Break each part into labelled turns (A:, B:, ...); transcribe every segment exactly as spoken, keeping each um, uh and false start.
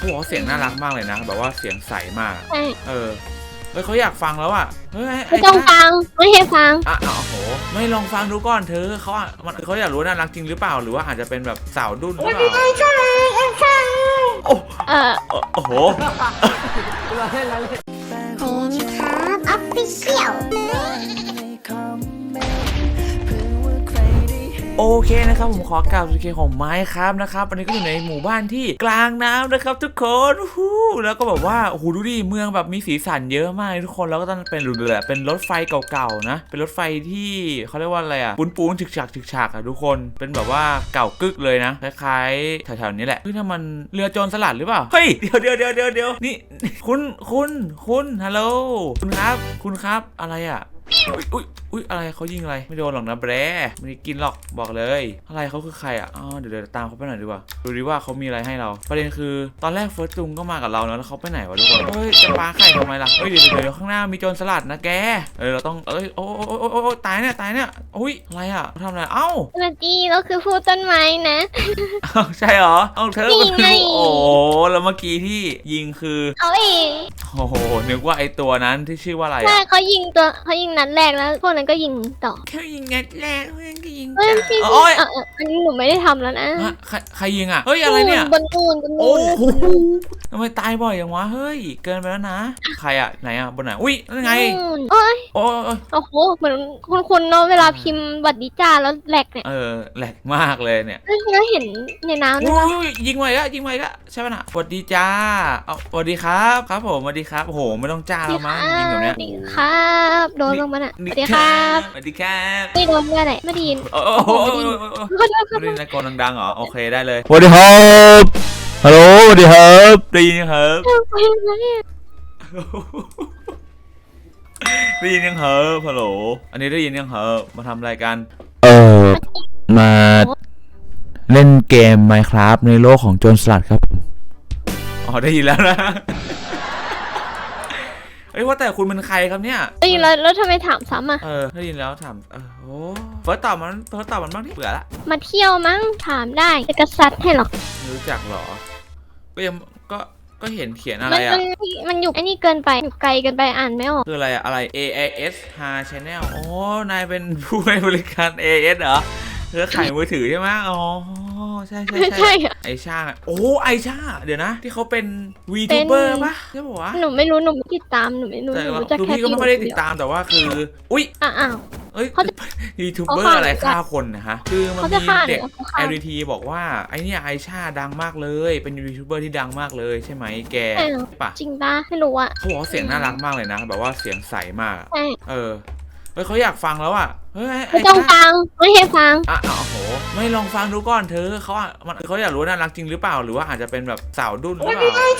A: เขาบอกว่าเสียงน่ารักมากเลยนะแบบว่าเสียงใสมากเออเฮ้ยเขาอยากฟังแล้วอ่ะเฮ้ย
B: ไม่ต้องฟังไม่ให้ฟัง
A: อ่ะโอ้โหไม่ลองฟังดูก่อนเธอเขาอ่ะมันเขาอยากรู้น่ารักจริงหรือเปล่าหรือว่าอาจจะเป็นแบบสาวดุ้นหรือเปล่าโอ้
B: เออ
A: โอ้โห
C: เราเล่นเราเล่นครับออฟฟิเชียล
A: โอเคนะครับผมขอกล่าวสุดเคของไม้ครับนะครับวันนี้ก็อยู่ในหมู่บ้านที่กลางน้ำนะครับทุกคนฮู้แล้วก็แบบว่าโอ้โหดูดิเมืองแบบมีสีสันเยอะมากทุกคนแล้วก็ต้องเป็นหลุดเลยเป็นรถไฟเก่าๆนะเป็นรถไฟที่เขาเรียกว่าอะไรอ่ะปูนปูนฉึกฉักฉึกฉักอ่ะทุกคนเป็นแบบว่าเก่ากึกเลยนะคล้ายๆแถวๆนี้แหละเฮ้ยถ้ามันเรือโจรสลัดหรือเปล่าเฮ้ยเดี๋ยวเดี๋ยวเดี๋ยวเดี๋ยวเดี๋ยวนี่คุณคุณคุณฮัลโหลคุณครับคุณครับอะไรอ่ะอุ้ยอุ้ยอุ้ยอะไรเขายิงอะไรไม่โดนหรอกนะแบร์ไม่ได้กินหรอกบอกเลยอะไรเขาคือใครอ่ะอ๋อเดี๋ยวเดี๋ยวตามเขาไปหน่อยดีกว่าดูดิว่าเขามีอะไรให้เราประเด็นคือตอนแรกเฟิร์สจุงก็มากับเราแล้วเขาไปไหนวะทุกคนเฮ้ยจะปาไข่ทำไมล่ะเฮ้ยเดี๋ยวเดี๋ยวข้างหน้ามีโจรสลัดนะแกเออเราต้องเอ้ยโอ้โอ้โอ้โอ้ตายเนี่ยตายเนี่ยอุ้ยอะไรอ่ะทำอะไรเอ้า
B: สวัสดีเราคือผู้ต้นไม้นะ
A: ใช่เหรอเอาเธอมาคือโอ้แล้วเมื่อกี้ที่ยิงคือ
B: เขาเอง
A: โอ้โหนึกว่าไอตัวนั้นที่ชื่อว่าอะไร
B: ใช่เขายิงตัวเขายิงนัดแรกแล้วพวกนั้นก็ยิงต่อ
A: แค่ยิงนัดแรกเพื่อนก็ยิง
B: เฮ้ยพี่
A: โอ้ย
B: อันนี้หนูไม่ได้ทำแล้วนะ
A: ใครใครยิงอ่ะเฮ้ยอะไรเนี่ย
B: บนนูนบนนูน
A: โอ้โหทำไมตายบ่อยอย่างวะเฮ้ยเกินไปแล้วนะใครอ่ะไหนอ่ะบนไหนอุ้ยนั่นไง
B: โอ้ย
A: โอ้ย
B: โอ้โหเหมือนคุณคุณเนาะเวลาพิมพ์บัตรดิจ้าแล้วแหลกเนี่ย
A: เออแหลกมากเลยเนี่ย
B: แล้วเห็นในน้ำด้วย
A: ยิงไว้ก็ยิงไว้ก็ใช่ป่ะน่ะสวัสดีจ้าเอาสวัสดีครับครับผมสวัสดีครับโอ้โหไม่ต้องจ้าแล้วมั้งยิงแบบเนี้ย
B: สวัสดีครับโดนลงมาน่ะสวัสดีครับ
A: สวัสดีครับ
B: ไม่โดนด้วยแหละไม่ได้ยิน
A: โอ้โหไม่ได้ตะโกนดังๆเหรอโอเคได้เลย
D: สวัสดีครับฮัลโหลสวัสดีครับ
A: ได้ยินครับได้ยินยังเหรอฮัลโหลอันนี้ได้ยินยังเหรอมาทำอะไรกัน
D: เออมาเล่นเกม Minecraft ในโลกของโจรสลัดครับ
A: อ๋อได้ยินแล้วนะเอ้ยว่าแต่คุณเป็นใครครับเนี่ย
B: ได้ยินแล้วแล้วทำไมถามซ้ำอ่ะ
A: เออได้ยินแล้วถามเออโอ้เฟิร์สตอบมันเฟิร์สตอบมันบ้างที่เบื่อละ
B: มาเที่ยวมั้งถามได้จะกระซัดให้หรอ
A: รู้จักหรอก็ยังก็ก็เห็นเขียนอะไรอ่ะ
B: มันมันอยู่ไอ้นี่เกินไปอยู่ไกลเกินไปอ่านไม่ออก
A: คืออะไรอะอะไร เอ ไอ เอส ฮา Channel โอ้นายเป็นผู้ให้บริการ เอ เอส เหรอเธอขายมือถือใช่ไหมอ๋อใช่ใช่ใช่ไอชาโอ้ไอชาเดี๋ยวนะที่เขาเป็นวีทูเบอร์ปะใช่ปะวะ
B: หนูไม่รู้หนูไม่ติดตามหนูไม่รู้หนู
A: จะแค่พี่ก็ไม่ได้ติดตามแต่ว่าคืออุ้ย
B: อ้าว
A: เอ้ยวีทูเบอร์อะไรฆ่าคนนะฮะคือมันมีเด็ก แอล ดี ที บอกว่าไอเนี่ยไอชาดังมากเลยเป็นวีทูเบอร์ที่ดังมากเลยใช่ไหมแก
B: ปะจริงปะไม่รู้อะ
A: เขาบอกเสียงน่ารักมากเลยนะแบบว่าเสียงใสมากเออเฮ้ยเขาอยากฟังแล้วอ่ะเฮ้ย
B: ไม่ต้องฟังไม่ให้ฟัง
A: อ่ะโอ้โหไม่ลองฟังดูก่อนเธอเขาอ่ะมันเขาอยากรู้น่ารักจริงหรือเปล่าหรือว่าอาจจะเป็นแบบสาวดุ้นหรือเปล่า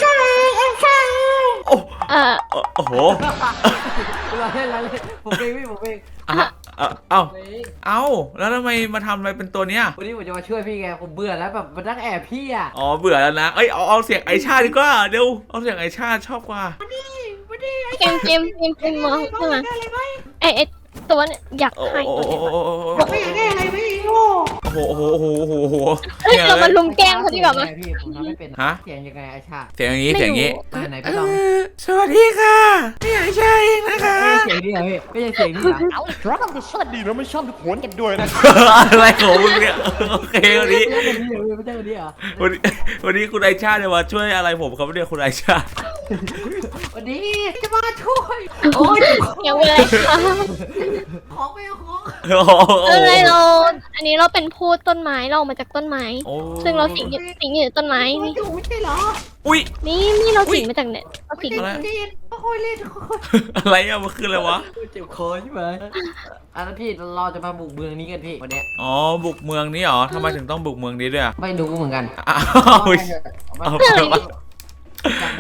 A: โอ้
B: เออ
A: โอ้โห
C: เราเล่นเราเล่นผมเองพี่ผมเอง
A: อ่ะเอ้าเอ้าแล้วทำไมมาทำอะไรเป็นตัวเนี้ย
C: วันนี้ผมจะมาช่วยพี่ไงผมเบื่อแล้วแบบมันนั่งแอบพี่อ่ะ
A: อ๋อเบื่อแล้วนะเอ้ยเอาเอาเสียงไอชาดีกว่าเดี๋ยวเอาเสียงไอชาชอบกว่า
B: เกมเกมเกมเกมมองใช่ไหมไอไอตัวเนี่ยอยากให้
C: บอกไม่อยากได้อะไรไม่โง่
A: โอ้โหโอ้โหโอ้โหโอ้โห
B: เฮ้ยเรามาลุมแกล้งเขาดีกว่าไหม
C: พี่ผมทำไม่เป็นฮะเสียงยังไงไอชา
A: เสียงอย่างนี้เสียงอย่างนี้
C: ไหนพี่ลอง
A: สวัสดีค่ะพี่ไอชาเองนะคะ
C: เสียงนี้เหรอพี่ไม่ใช่เสียงนี้เหรอเอาเราต้องสวัสดีเราไม่ชอบทุกคนกันด้วยนะ
A: อะไรของมึงเนี่ยโอเควันนี้
C: ไม่ใช่วันนี้เหรอ
A: วันนี้วันนี้คุณไอชาเนี่ยมาช่วยอะไรผมครับเนี่ยคุณไอชา
C: วันนี้จะมาช่วยโอ้ย
B: ยังเป็นไรคะ
C: ของไม่เอาของ
B: อะไรเราอันนี้เราเป็นพูดต้นไม้เรามาจากต้นไม้ซึ่งเราสิงสิงอยู่ต้นไม้นี่
C: ไม่ใช่เหรอ
A: อุ้ย
B: นี่นี่เราสิงมาจากเนี่ยเราสิง
C: อะไรค่อยเล่น
A: อะไรอะมันคืออะไรวะ
C: เจ็บคอใช่ไหมอันนั้นพี่เราจะมาบุกเมืองนี้กันพี่วันนี้
A: อ๋อบุกเมืองนี้เหรอทำไมถึงต้องบุกเมืองนี้ด้วย
C: ไม่รู้เหมือนกัน
A: อ้าว
C: จากบุ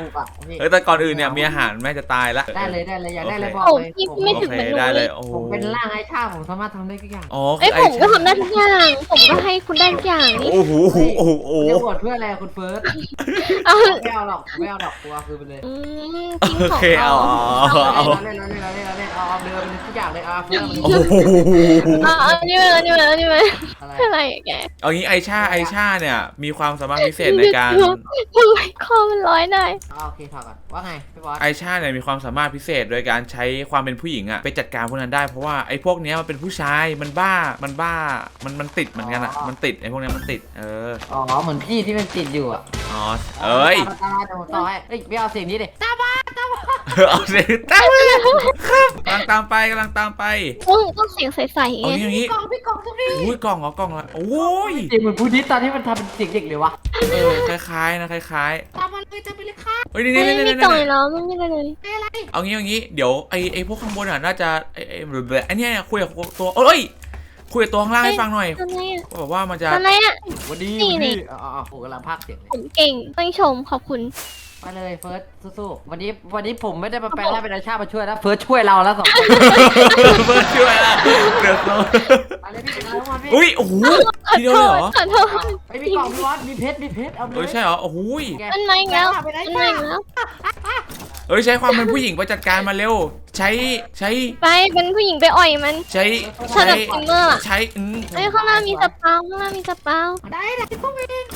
E: ถูกอ่ะพี่
A: เออแต่ก่อนอื่นเนี่ยมีอาหารแม่จะตายละ
E: ได้เลยได้เลยอยากได้เลยบอก
B: โอ้
E: เลย
B: พี่
E: ผม
B: ไม่
A: โอ
B: ถึง
A: เค
B: มัน
A: ได้
B: เล
A: เลย ยโอ้โห
E: ผมเป็นร่างไอ้ชาผมสามารถทำได้ทุกอย่าง
A: อ๋อ
B: เอ้ย
A: ไอ้
B: ผมก็ทำได้ทุกอย่างผมก็ให้คุณได้ทุกอย่างนี่
A: โอ้โหโอ้โหโอ้โหโอ้
E: จะ
A: โห
E: บวชเพื่ออะไรคุณเฟิร์ส
B: เอา
E: ไม่เอาหรอกไม่เอาหรอกกลัวคือไปเลย
B: อืมจริง
A: โอ
B: ของ
A: เคเอา
B: เอา
A: เอา
E: เอา
A: เอา
E: เล่นเอาเล่นเอาเล่นเอาเล่นเอาเอาเดินเป็นทุกอย่างเลยเอาเฟิร์ส
A: โอ้โห
B: เอาเอานี่มานี่มานี่มา
E: อะไร
B: อะไรแก
A: เอางี้ไอชาไอชาเนี่ยมีความสามารถพิเศษในการ
B: ทำไมคอมันร้อยได้
E: โอเคถอดก่อนว่าไงพี่บอส
A: ไอชาเนี่ยมีความสามารถพิเศษโดยการใช้ความเป็นผู้หญิงอะไปจัดการพวกนั้นได้เพราะว่าไอพวกเนี้ยมันเป็นผู้ชายมันบ้ามันบ้ามันมันติดเหมือนกันอะมันติดไอพวกเนี้ยมันติดเออ
E: อ๋อเหมือนพี่ที่มันติดอยู่อ่ะ
A: อ๋อเอ้ย
E: ตาตาเดี๋ยวผมต่อให้เอ้ยไม่เอาเสียงนี้ดิตาบ้า
A: เอาเสียงตามไปเลยครับกำลังตามไปกำลังตามไป
B: ต้องต้องเสียงใสๆ
A: เอา
B: ไง
A: งี้เอางี้
E: กล่องพี่กล่องสักที
A: อุ้ยกล่องเหรอกล่องละโอ้ย
E: เสียงเหมือนพูดนิดตอนที่มันทำเป็นเสียงเด็กเลยวะ
A: เออคล้ายๆนะคล้าย
E: ตามมาเลยจะไปเลยค่ะ
A: ๆเฮ้ยนี่
B: ไม่
A: นี่นี่
B: มี
A: นี่
B: กล่อง
A: นี่
B: แล้วไม่มีอะไรเลย
E: อะไร
A: เอางี้เอางี้เดี๋ยวไอไอพวกข้างบนอ่ะน่าจะไอไอไอเนี้ยคุยกับตัวเอ้ยคุยกับตัวข้างล่างให้ฟังหน่อย
B: ทำไมอ่ะ
A: แบบว่ามันจะ
B: ทำไมอ่ะ
E: วันนี้
B: นี่
E: วัน
B: นี่
E: นี้อ๋ออ๋อผมกำลังพากย์เสียงเลย
B: ผมเก่งต้องชมขอบคุณ
E: ไปเลยเฟิร์สสู้ๆวันนี้วันนี้ผมไม่ได้มาแปลงร่างเป็นอาชามาช่วยนะเฟิร์สช่วยเราแล้วสองคน
A: เบิร์ดช่วยละเดือดร้อน
E: ไปเลยพี่ไปเลยวันพี่
A: อุ้ยโอ้โห
B: ขอ
A: ทีเดียว
B: โท
A: เลย
B: ษ
A: เหรอ
B: ขอโทษ
E: ไอ้ยมีกล่องมีวอสมีเพชรมีเพชรเอาไป
A: เอ
E: เล
A: อย ใช่เหรอโอ้โหย
E: แก
B: มันมาอีกแล้ว
E: ไปไหน
B: มันมาอีกแล้ว
A: เอ้ยใช้ความเป็นผู้หญิงไปจัดการมาเร็ว ใช้ใช้
B: ไปเป็นผู้หญิงไปอ่อยมัน
A: ใช้
B: ถ้า
A: ใช้
B: แบบฟินเมอร์อะ
A: ใช้อืม
B: เอ้ยข้างหน้ามีสปาวข้างหน้ามีสปาว
E: ได้เลยพวกเอง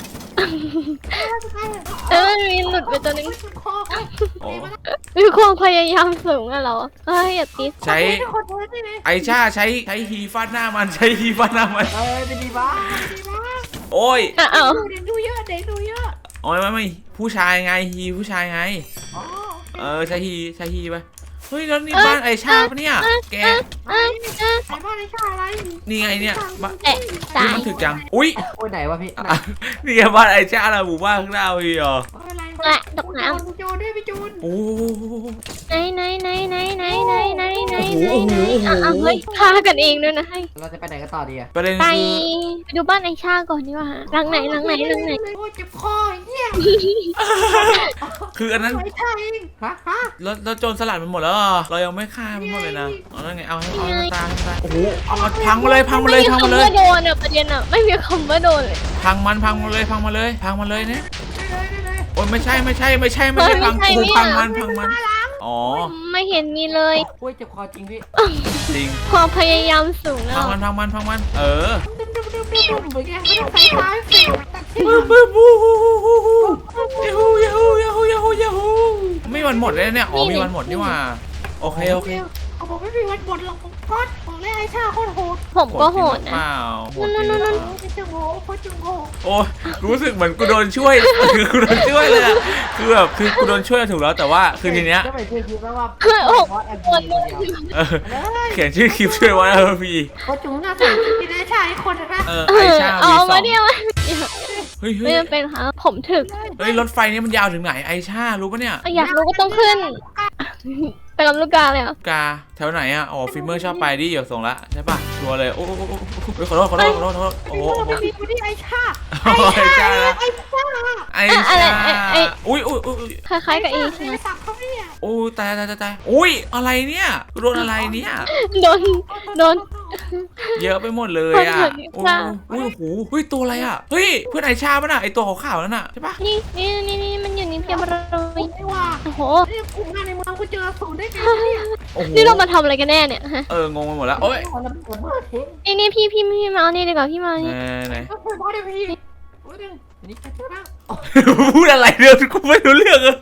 B: เออมันมีหลุดไปตัวนึง
E: คอ
A: โอ้
B: มีความพยายามสูงอะเหรอเฮ้ยอย่าติด
A: ใช้ไอชาใช้ใช้ฮีฟาดหน้ามันใช้ฮีฟาดหน้ามัน
E: เออจะดีบ้าดีบ้า
A: โอ้ย
B: อ่ะเอา
E: เด็กดูเยอะเด็กดูเยอะ
A: โอ้ยไม่ไม่ผู้ชายไงฮีผู้ชายไง
E: อ๋อ
A: เออใช้ฮีใช้ฮีไปเฮ้ยแล้วนี่บ้านไอชาปะเนี่ยแก
B: อ่ะอ่ะ
E: ใส่บ้านไอ้ชาอะไร
A: นี่ไงเนี่ยบ้าน
B: แตะตา
A: นี่
B: ย
A: มันถึกจังอุ้ย
E: โอ้ยไหนวะพี่
A: อ่ะนี่ไงบ้านไอชาเราหมู่บ้านข้างหน้าพี่เหรอ
E: อะไร
B: แตะตกน้
E: โจนด้วยพี่โจน
A: โอ้
B: ำไหนไหนไหนไหนไหนไหนไหนไหน
A: โอ้โห
B: ไหนอ่ะอ่ะเฮ้ยฆ่ากันเองด้วยนะให้
E: เราจะไปไหนกันต่อดีอะ
A: ประเด็น
B: ไป
A: คือ
B: ไปดูบ้านไอชาก่อนดีกว่าหลังไหนหลังไหนหลังไหน
E: โอ้ยเจ็บคอเหี้ย
A: คืออันนั้น
E: ไอ้ชาเองฮะฮะ
A: แล้วแล้วโจรสลัดมันหมดแล้วเหรอเรายังไม่ฆ่ามันหมดเลยนะเอาแล้วไงเอาให้เอาให้ตายให้ตายโอ้โหเอามาพังมาเลยพังมาเลย
B: ไม่มี
A: พังมา
B: คำ
A: เลย
B: ว่าโดนอ่ะประเด็นอ่ะไม่มีคำว่าโดนเลย
A: พังมันพังมาเลยพังมาเลยพังมาเลยเนี่ย
E: ได้เลยได้เลย
A: โอ้ยไม่ใช่ไม่ใช่ไม่ใช่ไม่ใช่พังกูพังมันพังมันอ๋อ
B: ไม่เห็นมีเลย
E: โอ้ยเจ็บคอจริงพี่
A: จริง
B: ความพยายามสูงแล้
A: พั
B: ว
A: งมันพังมันพังมันเออ
E: ดุมดุมดุมดุมดุมเหมือนแกไม่ต้องใส่ฟ้าเสียงตัดที่
A: บูบูบูฮูฮูฮูฮูยาฮูยาฮูยาฮูยาฮูยาฮูไม่วันหมดเลยเนี่ยอ๋อมีวันหมดนี่หว่าโอเคโอเค
E: เขาบอกไม่มีวันบนหรอกผมก็บอกเลยไอ้ชาโคตรโหด
B: ผมก็โหด
A: เป
B: นะ
A: ล่าโหด
B: นั่น
A: จริง
B: นั่น
A: หรือเปล่า
E: โอ้ยจังโหโคตรจังโห
A: โอ้ยรู้สึกเหมือนกูโดนช่วย คือกูโดนช่วยเลยอะคือแบบคือกูโดนช่วยถูกแล้วแต่ว่าคือทีเนี้ย
E: ก็ไปช่วยคิดว่า
B: โอ้โห
E: บอสแอน
B: โห
E: ดี้
B: ด
E: คนเดียว
A: เออเขียนชื่อคลิปช่วยไว้เออพี่
E: โคตรจุ๋มน่าสนใจได้ชายคนนะ
A: เออ
B: เอ
A: ไอ
B: อ
A: ชา
B: เอา
A: วีสอ
B: มาง เดียว
A: เฮ้ยเฮ้
B: ไม่
A: ย
B: จำเป็นค่ะผมถึก
A: เฮ้ยรถไฟนี้มันยาวถึงไหนไอชารู้ปะเนี่ย
B: อยากรู้ก็ต้องขึ้น ไปลำลูกกาเลยอ่ะ
A: กาแถวไหนอะอ๋อฟิล์มเมอร์ชอบไปดิเดี๋ยวส่งละใช่ปะชัวร์เลยโอ้โหขอโทษขอโทษขอโทษขอโทษโอ้โห
E: โอ้ยคนนี้ไอ้ชา
A: ไอชาละ
E: ไอ้ชา
A: ไอชาอุ้ยอุ้ยอุ้ย
B: คล้ายๆกับอีช
E: ไอ้
B: นะ
E: สักเขาเนี่ย
A: โอ้ตายตายตายตายอุ้ยอะไรเนี่ยโดนอะไรเนี่ย
B: โดนโดน
A: เยอะไปหมดเลยอ่ะโอ้โหโอ้โหเฮ้ยตัวอะไรอ่ะเฮ้ยเพื่อนไอชาป่ะน่ะไอตัวขาวๆนั่นน่ะใช่ปะ
B: นี่นี่นี่นี่มันอยู่นี่เพียบเลย
E: ไม่ว่า
B: โอ้โห
E: นี่กลุ่มงานในเมืองกูเจอศูนย์ได้ไงเนี่ย
A: โอ้โห
B: นี่เรามาทำอะไรกันแน่เนี่ยฮะ
A: เอองงไปหมดแล้วโอ้ย
E: เราเป็นคนบ้าเทง
B: นี่นี่พี่พี่พี่มาเอานี่ดีกว่าพี่มาเอา
A: ไหน
B: นี่
A: ไหน
E: ก็เคยบอกได้พี่โอ้ยนึงอันนี้แค่บ้าง
A: พูดอะไรเรื่องกูไม่รู้เรื่องอะ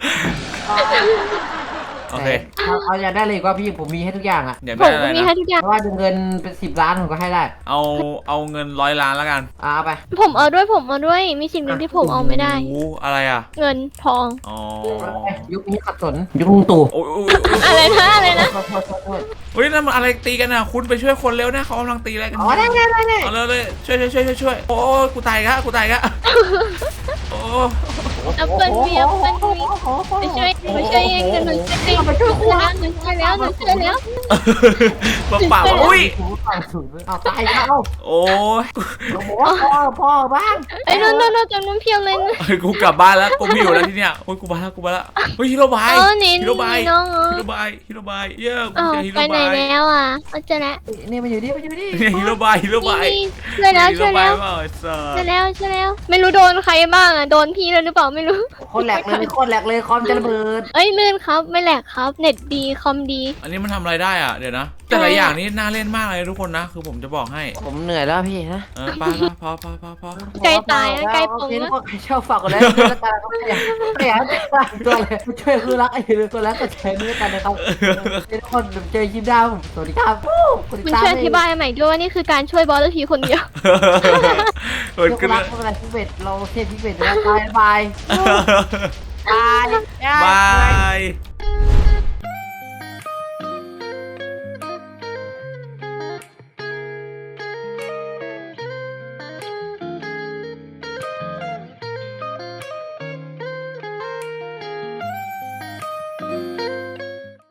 A: โอเค
E: เอาเอาอยากได้เลยว่าพี่ผมมีให้ทุกอย่างอ่ะ
A: เดี๋ยว
B: ผ
A: ได้
B: ม
A: อะไร
B: มี
A: นะ
B: ให้ทุกอย่าง
E: เพราะว่าเงินเป็นสิบล้านผมก็ให้ได้
A: เอาเอาเงินร้อยล้านแล้วกัน
E: เอาไป
B: ผมเอาด้วยผมเอาด้วย มีสิ่งหนึ่งที่ผมเอาไม่ได้
A: โอ้อะไรอ่ะ
B: เงินทอง
A: อ๋อ
E: ยุคนี้ขัดสนยุคลุงตู่
A: โอ้ย
B: อะไรนะอะไรนะ
E: โทษโทษโทษโทษ
A: เฮ้ยนั่นมันอะไรตีกันอ่ะคุณไปช่วยคนเร็วนะเขากำลังตีอะไรกัน
E: อ๋อได้ได้ได้ได้
A: เอาเลยเลยช่วยช่วยช่วยช่วยช่วยโอ้กูตายกะกูตายกะโอ้โห
B: แอปเปิ้ลมีแอปเปิ้ลมีไปช่วยไปช่วยเองเดี๋ยวหนูช่วยเองหนูช่วยแล้วหนูช่วยแล้วหนูช่วยแล้ว
A: เปล่าๆอุ้ย
E: เอาตายแล้ว
A: โอ้ย
E: โอ้โหพ่อพ่อบ้าง
B: ไอ้ยนู่นนู่นนู่นจำนวนเพียบเลยนะ
A: เฮ้ยกูกลับบ้านแล้วกูไม่อยู่แล้วที่เนี้ยโอ้ยกูมาแล้วกูมาแล้วเฮ้ยฮิโรบาย
B: เออนี่
A: ฮิโรบาย
B: น้องเหรอ
A: ฮิโรบายฮิโรบายเย้กู
B: อ้าว
A: เจอฮิโร
B: ไปไหน
A: บาย
B: แล้วอ่ะเอาเจอแล้ว
E: นี่มันอยู่นี่มันอยู่นี่
A: เนี่ยฮิโรบายฮิโรบาย
B: นี่ช่วยแล้วช่วยแล้ว
A: ฮิโรบายเปล่าไอ้สัส
B: ช่วยแล้วช่วยแล้ว ไม่รู้โดนใครบ้างอ่ะโดนพี่เลยหรือเปล่าไม่รู้
E: โคตรแหลกเลยโคตรแหลกเลยคอมจะระเบิด
B: เอ้ยลื่นครับไม่แหลกครับเน็ตดีคอมดี
A: อันนี้มันทำอะไรได้อ่ะเดี๋ยวนะ แต่ละอย่างนี้น่าเล่นมากเลยทุกคนนะ คือผมจะบอกให้
E: ผมเหนื่อยแล้วพี่นะ
A: เออไป้าพอพอพอพอ
B: ใกล้ตายแล้วใกล้ปง
E: แล้
B: แล้ว ว
E: ใครชอบฝากกดไลค์กดติดตามก็ไม่อยากไม่อยากตัวเลยช่วยคือรักไอ้ตัวรักก็แชร์ด้วยกันนะครับทุกคนเจอยิ้มดาวสวัสดีครับ
B: คุณช่วยอธิบายใหม่ด้วยว่านี่คือการช่วยบอสทีคนเดียว
A: เปิด
E: ยก
A: ขึ้น
E: รั
A: แล้
E: ก
A: ว
E: เมื่อไรพิเวทเราเทพพิเวทแล้วบายบายบาย
A: บาย